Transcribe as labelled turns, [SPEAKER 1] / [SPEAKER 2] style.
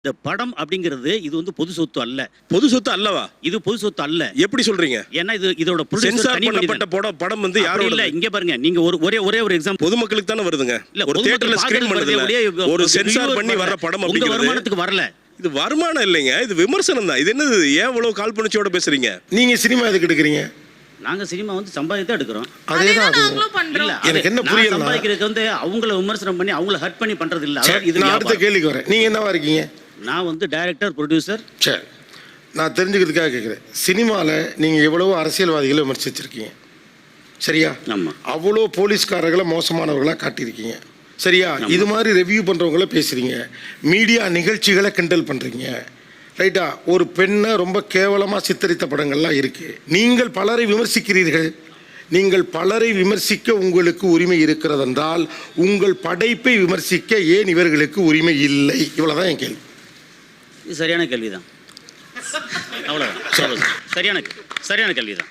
[SPEAKER 1] இந்த படம் அப்படிங்கிறது இது வந்து பொது சொத்து அல்ல.
[SPEAKER 2] பொது சொத்து அல்லவா?
[SPEAKER 1] இது பொது சொத்து அல்ல.
[SPEAKER 2] எப்படி சொல்றீங்க?
[SPEAKER 1] ஏன்னா இதோட
[SPEAKER 2] சென்சார் பண்ணப்பட்ட படம் வந்து யாரோ
[SPEAKER 1] இல்ல. இங்க பாருங்க, நீங்க ஒரே ஒரு எக்ஸாம்பிள்.
[SPEAKER 2] பொதுமக்களுக்கு தானே வருதுங்க. ஒரு தியேட்டர்ல ஸ்கிரீன் பண்ணதுல ஒரு சென்சார் பண்ணி வர்ற படம் அப்படிங்கிறது
[SPEAKER 1] வருமானத்துக்கு வரல.
[SPEAKER 2] இது வருமானம் இல்லைங்க, இது விமர்சனம் தான். இது என்னது? ஏன் இவ்வளவு கால்பனிச்சோட பேசுறீங்க?
[SPEAKER 3] நீங்க சினிமா எதுக்கு எடுக்கிறீங்க?
[SPEAKER 1] நாங்க சினிமா வந்து சம்பாதித்து எடுக்கிறோம்.
[SPEAKER 3] அதேதான்
[SPEAKER 1] எனக்கு என்ன புரியல. சம்பாதிக்கிறதுக்கு வந்து அவங்கள விமர்சனம் பண்ணி அவங்கள ஹர்ட் பண்ணி பண்றது இல்ல.
[SPEAKER 3] இது நான் அடுத்த கேள்விக்கு வரேன். நீங்க என்னவா இருக்கீங்க?
[SPEAKER 1] நான் வந்து டைரக்டர், ப்ரொடியூசர்.
[SPEAKER 3] சரி, நான் தெரிஞ்சுக்கிறதுக்காக கேட்குறேன். சினிமாவில் நீங்கள் எவ்வளவோ அரசியல்வாதிகளை விமர்சிச்சிருக்கீங்க, சரியா?
[SPEAKER 1] ஆமாம்.
[SPEAKER 3] அவ்வளோ போலீஸ்காரர்களை மோசமானவர்களாக காட்டியிருக்கீங்க, சரியா? இது மாதிரி ரெவ்யூ பண்ணுறவங்கள பேசுகிறீங்க, மீடியா நிகழ்ச்சிகளை கிண்டல் பண்ணுறீங்க, ரைட்டா? ஒரு பெண்ணை ரொம்ப கேவலமாக சித்தரித்த படங்கள்லாம் இருக்குது. நீங்கள் பலரை விமர்சிக்கிறீர்கள். நீங்கள் பலரை விமர்சிக்க உங்களுக்கு உரிமை இருக்கிறதென்றால் உங்கள் படைப்பை விமர்சிக்க ஏன் இவர்களுக்கு உரிமை இல்லை? இவ்வளோதான் என் கேள்வி.
[SPEAKER 1] இது சரியான கேள்விதான். அவ்வளோதான். சரியான கேள்விதான்.